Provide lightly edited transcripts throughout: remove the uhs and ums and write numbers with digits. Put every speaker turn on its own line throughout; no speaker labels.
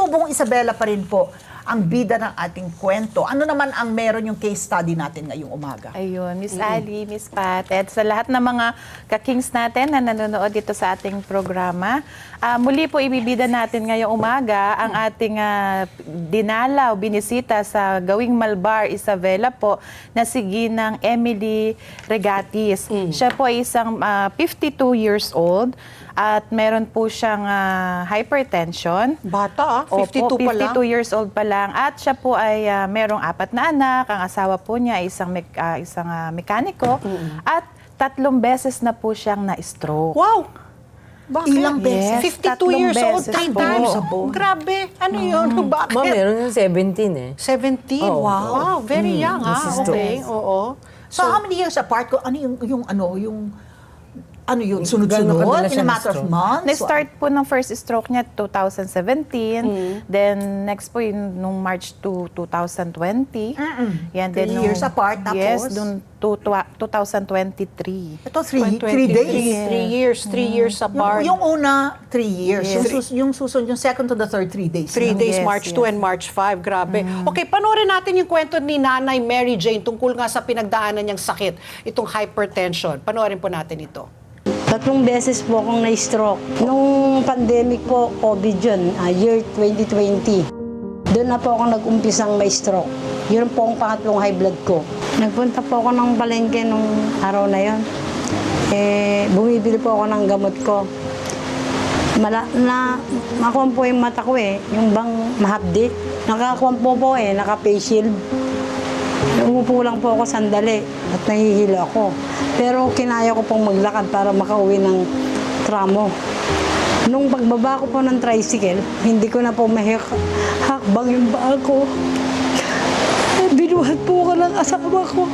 Bong Isabela pa rin po ang bida ng ating kwento. Ano naman ang meron yung case study natin ngayong umaga?
Ayun, Miss Ali, Miss Pat, at sa lahat ng mga ka-kings natin na nanonood dito sa ating programa, muli po ibibida natin ngayong umaga ang ating dinalaw, binisita sa Gawing Malbar, Isabela po, na si Ginang Emily Regatis. Siya po ay isang 52 years old at meron po siyang hypertension.
Bata, 52
Opo,
pa lang.
52 years old pa lang. At siya po ay merong 4 na anak. Ang asawa po niya ay isang mekaniko. At 3 beses na po siyang na-stroke.
Wow! Bakit?
Ilang beses?
Yes,
52 years old,
beses
3
po.
times. Grabe. Ano yun? Bakit?
Ma'am, meron yung 17 eh.
17.
Oo.
Wow. Very young, ha?
This is
Okay.
true.
Oo.
So, how many years apart? Ano yun? Sunod-sunod?
Gano'n kadalas
In a
siya
matter of
na-stroke?
months?
Na-start po ng first stroke niya 2017. Then next po yung nung March to 2020. Yan,
3 years apart, tapos?
Yes, dun 2023.
Ito, 3 days.
3 years apart.
Yung una, 3 years.
Yes.
Yung susunod, yung second to the third, 3 days.
3 days,
Yes,
March 2
yes.
and March 5. Grabe. Okay, panoorin natin yung kwento ni Nanay Mary Jane tungkol nga sa pinagdaanan niyang sakit, itong hypertension. Panoorin po natin ito.
3 beses po akong na-stroke. Nung pandemic po, COVID yun, year 2020. Doon na po ako nag-umpisang ma-stroke. Yun po ang pangatlong high blood ko. Nagpunta po ako ng palengke nung araw na yun. Bumibili po ako ng gamot ko. Nakuha po yung mata ko yung bang mahapdi. Nakakuha po naka-face shield. Umupo lang po ako sandali at nahihilo ako. Pero kinaya ko pong maglakad para makauwi ng tramo. Nung pagbaba ko po ng tricycle, hindi ko na po mahakbang yung paa ko. Binuhat po ko ng asawa ko.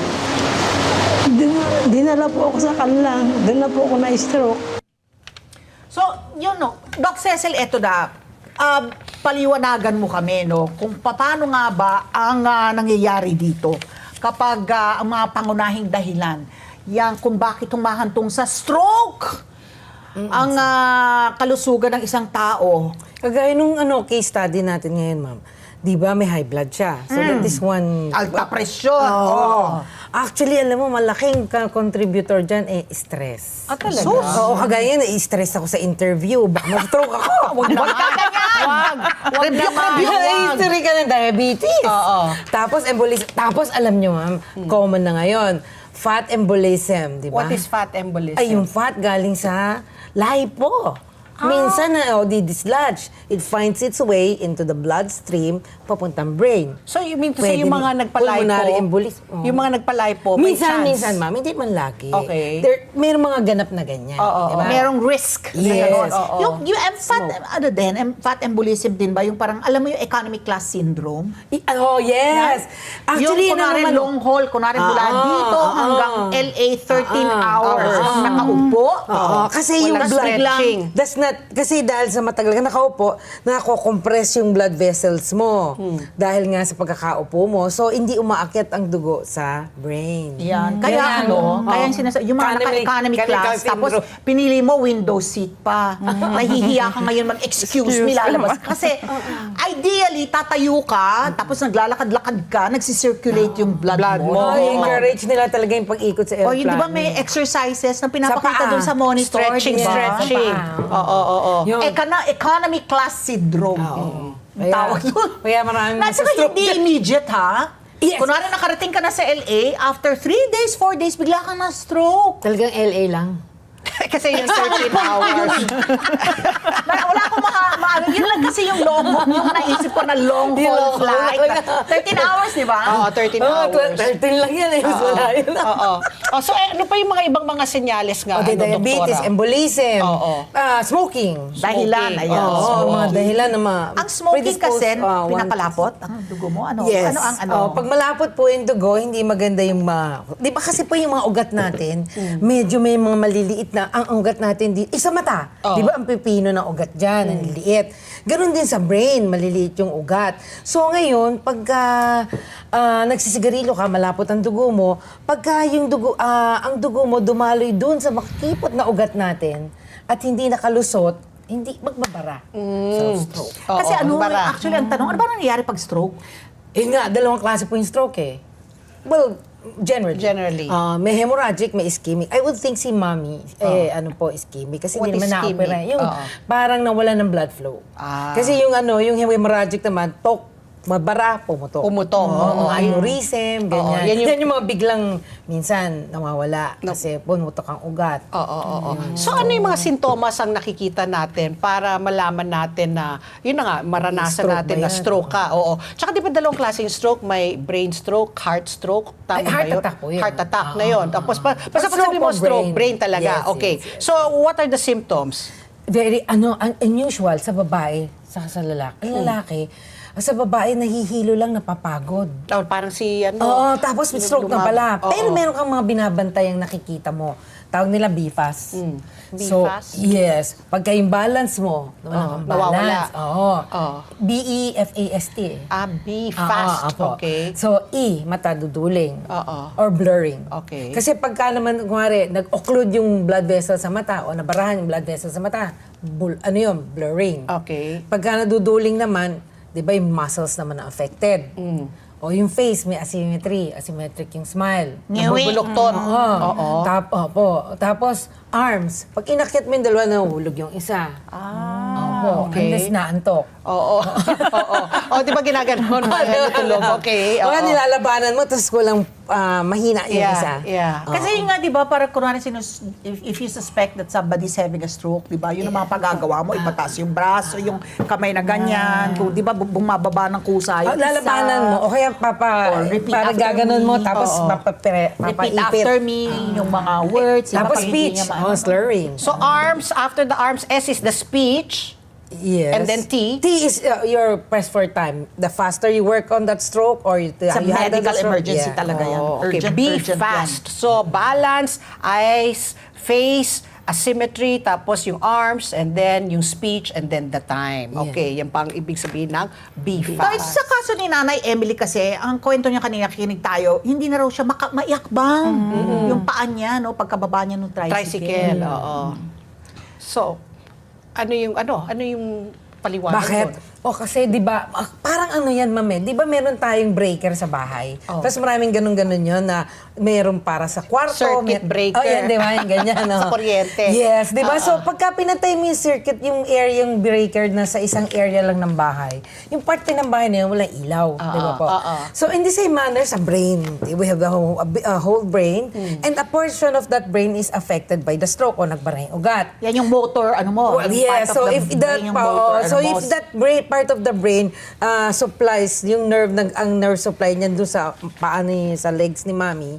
Dinala po ako sa kanlang. Doon na po ako na-stroke.
So, yun no. Doc Cecil, eto na. Paliwanagan mo kami, no, kung paano nga ba ang nangyayari dito kapag ang mga pangunahing dahilan, yan kung bakit humahantong sa stroke ang kalusugan ng isang tao.
Kagaya nung case study natin ngayon, ma'am. Di ba may high blood siya? So that is one...
Alta presyon.
Oo. Actually, alam mo, malaking contributor dyan stress.
Talaga?
So, oo, kagaya na, stress ako sa interview. Baka ma-stroke ako.
Huwag ganyan!
Wag naman.
History ka ng diabetes.
Oo.
Tapos, embolism. Tapos, alam nyo, ma'am, common na ngayon, fat embolism, di ba?
What is fat embolism?
Ay, yung fat galing sa lipo. Minsan na, di-dislodge. It finds its way into the bloodstream, papuntang brain.
So, you mean to
Pwede
say yung mga
din. Pulmonary embolism. Oo.
yung mga nagpalipo, may chance?
Minsan, ma'am, hindi man lagi.
Okay.
May mga ganap na ganyan.
Oo,
diba?
Merong risk.
Yes.
Ganon.
Oo.
Yung fat embolism din ba? Yung parang, alam mo yung economic class syndrome?
Oh, yes. Actually,
yung kunwari
naman,
long haul, kunwari mula dito hanggang LA 13 hours. Nakaupo.
Oo, kasi yung
Walang
blood
stretching.
lang, that's not, kasi dahil sa matagal ka nakaupo, nako-compress yung blood vessels mo. Dahil nga sa pagkakaupo mo, so hindi umaakyat ang dugo sa brain.
Yan. Kaya kaya yung sinasabi, yung mga naka-economy class, tapos pinili mo window seat pa. Nahihiya ka ngayon mag-excuse me, lalabas. Kasi ideally, tatayo ka, tapos naglalakad-lakad ka, nagsisirculate yung blood mo.
Oh, encourage nila talaga yung pag-ikot sa airplane.
O yun, di ba may exercises na pinapakita
paa.
doon sa monitor,
Stretching,
di ba?
stretching. Oo.
Yung,
Economic class syndrome. Ang tawag doon.
Kaya maraming
Nasa
stroke.
hindi immediate, ha?
Yes.
Kunwari nakarating ka na sa LA, after 3 days, 4 days, bigla kang na-stroke.
Talagang LA lang.
Kasi yung 13 hours.
Wala akong maano. Yun lang kasi yung long haul, yung naisip ko na long haul flight. 13 hours, di ba?
Oo, 13 hours.
13 lang yan eh. Wala yun.
Oo. So, ano pa yung mga ibang mga senyales nga,
Diabetes,
doktora?
embolism,
Oo.
Smoking.
Dahilan, ayan.
Oo, mga dahilan na
Ang smoking
predispose,
kasi,
one-
pinapalapot ang dugo mo. Ano?
Yes.
Ano ang ano?
Pag malapot po yung dugo, hindi maganda yung di ba kasi po yung mga ugat natin, medyo may mga maliliit na, ang ugat natin, sa mata. Di ba ang pipino ng ugat dyan, ang liliit. Ganon din sa brain, maliliit yung ugat. So ngayon, pagka nagsisigarilyo ka, malapot ang dugo mo, pagka yung dugo, ang dugo mo dumaloy dun sa makipot na ugat natin, at hindi nakalusot, hindi magbabara sa stroke.
Kasi
Oo, bara.
actually ang tanong, ano ba nangyayari pag stroke?
Nga, dalawang klase po yung stroke eh. Well, generally. May hemorrhagic, may ischemic. I would think si mommy, ischemic. Kasi
What
hindi naman
is
na-opera.
ischemic?
Yung
Oo.
parang nawala ng blood flow. Kasi yung hemorrhagic naman, mabara, pumutok.
Pumutok, oo.
Aneurysm, ganyan.
Oo,
Yan yung mga biglang minsan nawawala kasi pumutok ang ugat.
Oo. So ano yung mga sintomas ang nakikita natin para malaman natin na, yun na nga, maranasan
Stroke
natin
ba
na
yan?
stroke ka. Oo. Tsaka di ba dalawang klaseng stroke? May brain stroke, heart stroke. Tama
Ay,
ba
heart
yun?
attack po yun.
Heart attack na yun. Tapos, basta pag
stroke
sabi mo
o
stroke, brain
brain?
talaga.
Yes,
Okay.
yes.
So what are the symptoms?
Very, unusual sa babae, sa lalaki. Ang lalaki, sa babae, nahihilo lang, napapagod.
Oh, parang si ano.
Oo, tapos may stroke na pala.
Oo.
Pero meron kang mga binabantay ang nakikita mo. Tawag nila BFAS. So,
BFAS?
yes. Pagka yung balance mo, nawala kang
nawawala.
balance. Oo.
Oo.
BEFAST.
Be fast.
Apo.
Okay.
So, mata duduling.
Oo.
Or blurring.
Okay.
Kasi pagka naman, kumari, nag-occlude yung blood vessel sa mata o nabarahan yung blood vessel sa mata, blurring.
Okay.
Pagka naduduling naman, di ba yung muscles naman na affected? O yung face, may asymmetric yung smile.
Nabubulokton.
Oo. Tapos, arms. Pag inakyat mo yung dalawa, nahulog yung isa. Opo.
okay.
Unless naantok.
Oo. O, di ba ginaganon mo? Natulog. Okay.
O
Oo.
nilalabanan mo, tapos kulang mahina yung isa.
Yeah.
Kasi yun nga, di ba, para kunwari if you suspect that somebody's having a stroke, di ba, yun ang mga pagagawa mo, ipataas yung braso, yung kamay na ganyan, kung di ba, bumababa ng kusa yung
Lalabanan mo, o kaya
Or repeat
para
after
gaganon
me.
mo, tapos
Oo.
papaipit.
repeat after me, yung mga words, di ba,
Tapos
pag hindi
speech.
niya maano.
Slurring.
So arms, after the arms, S is the speech.
Yes.
And then T?
T is your press for time. The faster you work on that stroke or you
Sa
you handle
medical
the stroke,
emergency
yeah.
talaga yan.
Oh, okay.
Urgent,
Be
urgent
fast.
yan.
So balance, eyes, face, asymmetry, tapos yung arms, and then yung speech, and then the time. Okay, yan pang ibig sabihin ng be
Dahil
fast.
sa kaso ni Nanay Emily kasi, ang kwento niya kanina, kinig tayo, hindi na raw siya maiakbang. Yung paan niya, no, pagkababa niya ng tricycle.
Oo. So, ano yung paliwanag
Bakit?
mo?
Kasi 'di ba, parang ano 'yan, mame. 'Di ba meron tayong breaker sa bahay? Tapos maraming ganun-ganun 'yon na meron para sa kwarto,
Circuit breaker.
Oh, yan, 'di ba? Yung ganyan, no?
Sa kuryente.
Yes, 'di ba? So pagka pinatay mo yung circuit, yung area, yung breaker na sa isang area lang ng bahay, yung parte ng bahay na yun, walang ilaw, 'di ba po? So in the same manner sa brain, we have the whole brain, and a portion of that brain is affected by the stroke o nagbara yung ugat.
Yan yung motor, ano mo.
Well,
yung
yeah,
part of
so
the
if
brain,
that
yung motor,
so
ano
if
mo.
that part of the brain supplies yung ang nerve supply niyan doon sa paa sa legs ni Mami,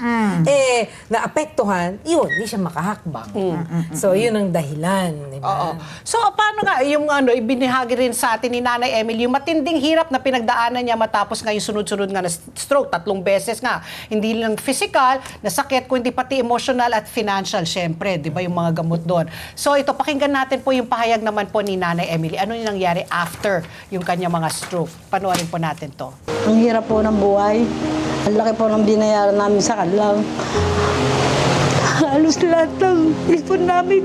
naapektuhan, yun, hindi siya makahakbang. So yun ang dahilan, di
Oo.
ba?
So, paano nga yung ibinahagi rin sa atin ni Nanay Emily, yung matinding hirap na pinagdaanan niya matapos nga yung sunod-sunod nga na stroke, 3 beses nga. Hindi lang physical na sakit, kundi pati emotional at financial, syempre, di ba, yung mga gamot doon. So, ito, pakinggan natin po yung pahayag naman po ni Nanay Emily. Ano yung nangyari after yung kanya mga stroke? Panoorin po natin to.
Ang hirap po ng buhay. Ang laki po ng binayaran namin sa kanlang. Halos lahat ng ipon namin.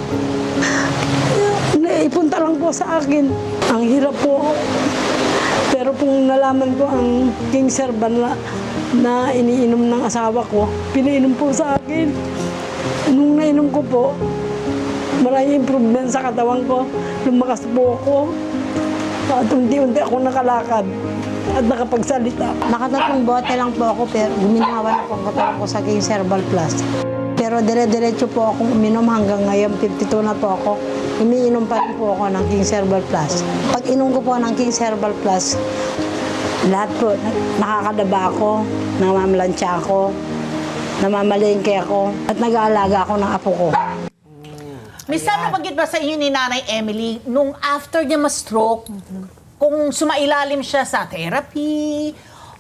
Naipunta lang po sa akin. Ang hirap po. Pero kung nalaman ko ang King Serban na iniinom ng asawa ko, pinainom po sa akin. Nung nainom ko po, maraming improvement sa katawan ko. Lumakas po ako. At unti-unti ako nakalakad at nakapagsalita. Nakatatlong bote lang po ako pero guminawa na po ang katawan ko sa King Cerebral Plus. Pero dire-diretso po akong uminom hanggang ngayon, 52 na po ako. Umiinom pa rin po ako ng King Cerebral Plus. Pag inom ko po ng King Cerebral Plus, lahat po, nakakadaba ako, namamalansya ako, namamalengke ako, at nag-aalaga ako ng apo ko.
Miss Sam, nabanggit ba sa inyo ni Nanay Emily, nung after niya ma-stroke, kung sumailalim siya sa therapy,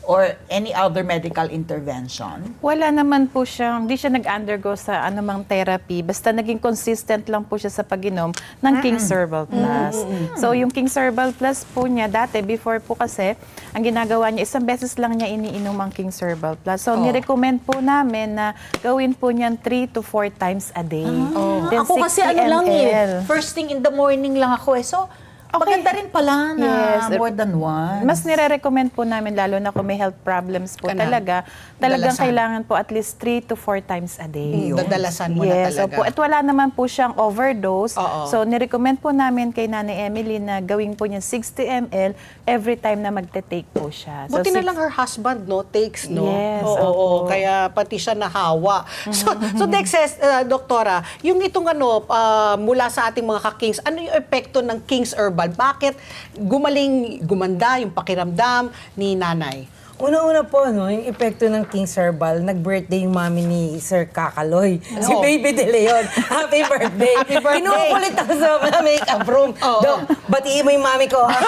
or any other medical intervention?
Wala naman po siyang, hindi siya nag-undergo sa anumang therapy. Basta naging consistent lang po siya sa pag-inom ng King's Herbal Plus. So yung King's Herbal Plus po niya, dati, before po kasi, ang ginagawa niya, isang beses lang niya iniinom ang King's Herbal Plus. So nirecommend po namin na gawin po niyan 3 to 4 times a day. Then
Ako kasi
60
ano lang
ml.
first thing in the morning lang ako eh. So,
Okay.
maganda rin pala na
Yes.
more than one.
Mas nire-recommend po namin, lalo na kung may health problems po talagang
Dalasan.
kailangan po at least 3 to 4 times a day.
Dadalasan mo na
Yes,
talaga.
opo. At wala naman po siyang overdose.
Oo.
So, nirecommend po namin kay Nanay Emily na gawin po niya 60 ml every time na magte-take po siya.
Buti na lang her husband, no? Takes, no?
Yes,
Oo,
opo.
oo. Kaya pati siya nahawa. So Dex says, Doktora, yung itong mula sa ating mga ka-Kings, ano yung epekto ng King's Herbal? Bakit gumanda yung pakiramdam ni nanay?
Una-una po, yung epekto ng King's Herbal, nag-birthday yung mami ni Sir Kakaloy. Si Baby De Leon. Happy birthday!
Happy birthday!
Kinukulit ako sa makeup room.
Oo.
Dok, batiin mo yung mami ko, ha?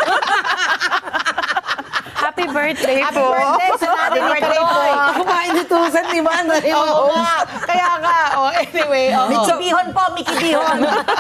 Happy birthday
Happy
po!
birthday sa nanay ni Kaloy!
Ako mainitusan, di ba?
Oo nga. Kaya nga. Anyway.
Mickey Bihon po, Mickey Bihon.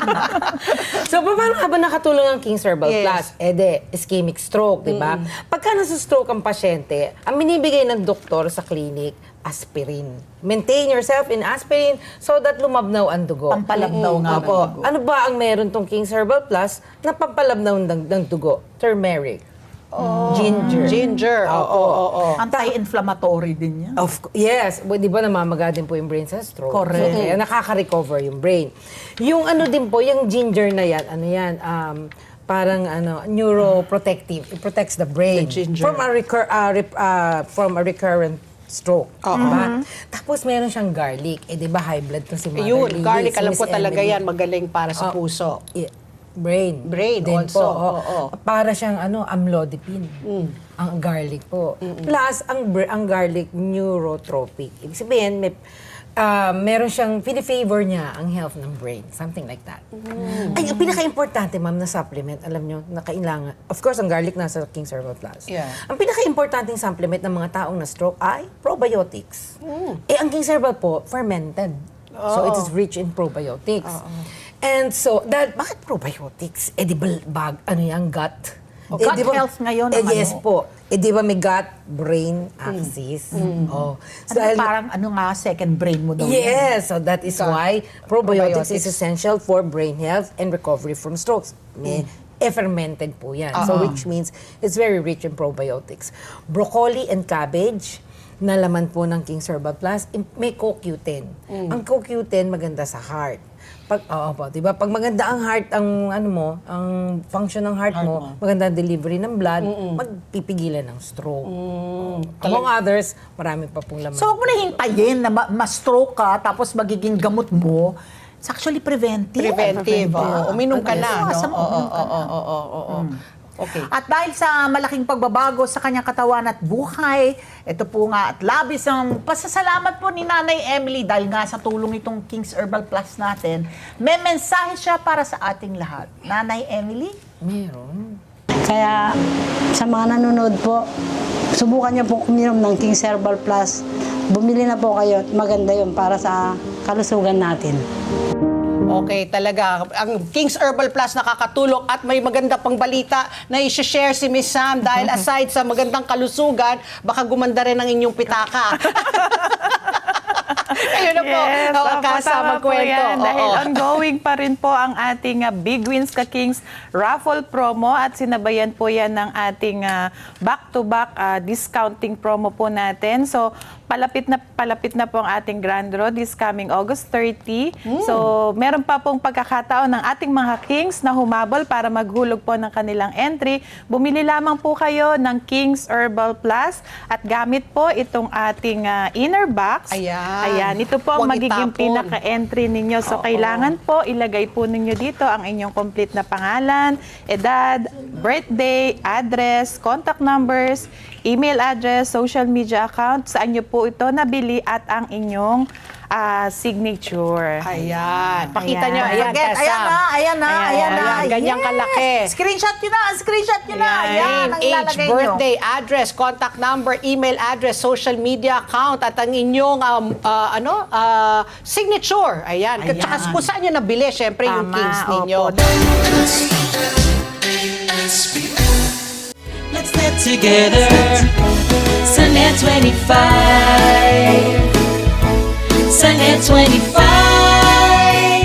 So, paano ka ba nakatulong ang King's Herbal
Yes.
Plus? Ischemic stroke, di ba? Pagka nasa stroke ang pasyente, ang binibigay ng doktor sa clinic, aspirin. Maintain yourself in aspirin so that lumabnaw ang dugo.
Pampalabnaw nga ng
Opo.
dugo.
Ano ba ang meron tong King's Herbal Plus na pampalabnaw ng dugo? Turmeric. Ginger.
Ginger. Oo.
Anti-inflammatory din yan.
Yes. Di ba namamaga din po yung brain sa stroke?
Correct.
So, kaya nakaka-recover yung brain. Yung ano din po, yung ginger na yan, parang neuroprotective. It protects the brain
The ginger.
from a recurrent stroke. Diba? Tapos meron siyang garlic. Di ba high blood to si Mother
Yun,
Lily,
garlic,
si
alam
Miss
ko talaga
Emily.
yan, magaling para sa puso.
Brain.
Brain
Din
also,
po,
oo.
Para siyang amlodipine. Ang garlic po. Plus, ang garlic neurotropic. Ibig sabihin, meron siyang, favor niya ang health ng brain. Something like that. Ay, ang pinaka-importante, ma'am, na supplement, alam nyo, na kailangan. Of course, ang garlic nasa King's Herbal Plus.
Yeah.
Ang pinaka-importanting supplement ng mga taong na stroke ay probiotics. Ang King's Herbal po, fermented. So, it is rich in probiotics. And so, bakit probiotics? Di ba gut?
Gut health ngayon ang
yes po. Di ba may gut, brain, axis? Oh. So,
Parang second brain mo daw.
yes, so that is why probiotics is
Probiotics.
essential for brain health and recovery from strokes. Fermented po yan. So which means it's very rich in probiotics. Broccoli and cabbage, na laman po ng King's Herbal Plus, may CoQ10. Ang CoQ10 maganda sa heart. Diba? Pag maganda ang heart, ang function ng heart mo, maganda ang delivery ng blood, magpipigilan ng stroke. Among others, marami pa pong laman.
So, huwag mo na hintayin na ma-stroke ka, tapos magiging gamot mo. It's actually preventive.
Preventive. Uminom ka na.
Yes.
No? Oo. Okay.
At dahil sa malaking pagbabago sa kanyang katawan at buhay, ito po nga at labis ang pasasalamat po ni Nanay Emily dahil nga sa tulong itong King's Herbal Plus natin, may mensahe siya para sa ating lahat. Nanay Emily?
Meron.
Kaya sa mga nanonood po, subukan niyo po uminom ng King's Herbal Plus. Bumili na po kayo. Maganda yun para sa kalusugan natin.
Okay, talaga. Ang King's Herbal Plus nakakatulong at may maganda pang balita na i-share si Miss Sam dahil aside sa magandang kalusugan, baka gumanda rin ang inyong pitaka. Ayun na po.
Yes, opo,
Kasa
tama po
magkwento.
yan. Dahil
Oo.
ongoing pa rin po ang ating Big Wins ka Kings raffle promo at sinabayan po yan ng ating back-to-back discounting promo po natin. So, palapit na po ang ating grand draw this coming August 30. So, meron pa pong pagkakataon ng ating mga Kings na humabol para maghulog po ng kanilang entry. Bumili lamang po kayo ng King's Herbal Plus at gamit po itong ating inner box.
Ayan.
Ito po ang
Huwag
magiging
itapon.
pinaka-entry ninyo. So, kailangan po ilagay po ninyo dito ang inyong complete na pangalan, edad, birthday, address, contact numbers, email address, social media account, saan nyo po po ito nabili at ang inyong signature.
Ayan. Pakita
Ayan.
nyo. Ayan,
Forget.
Kasam.
Ayan na, ayan na, ayan na.
Ayan, ganyang
Yes.
kalaki.
Screenshot nyo na, screenshot nyo na. Ayan, ang
Age,
ilalagay nyo.
birthday, address, contact number, email address, social media account, at ang inyong signature. Ayan.
Ayan.
Tsaka kung saan nyo nabili, syempre, yung
Tama,
Kings ninyo.
opo.
Let's get together. Sunnet 25. Sunnet 25.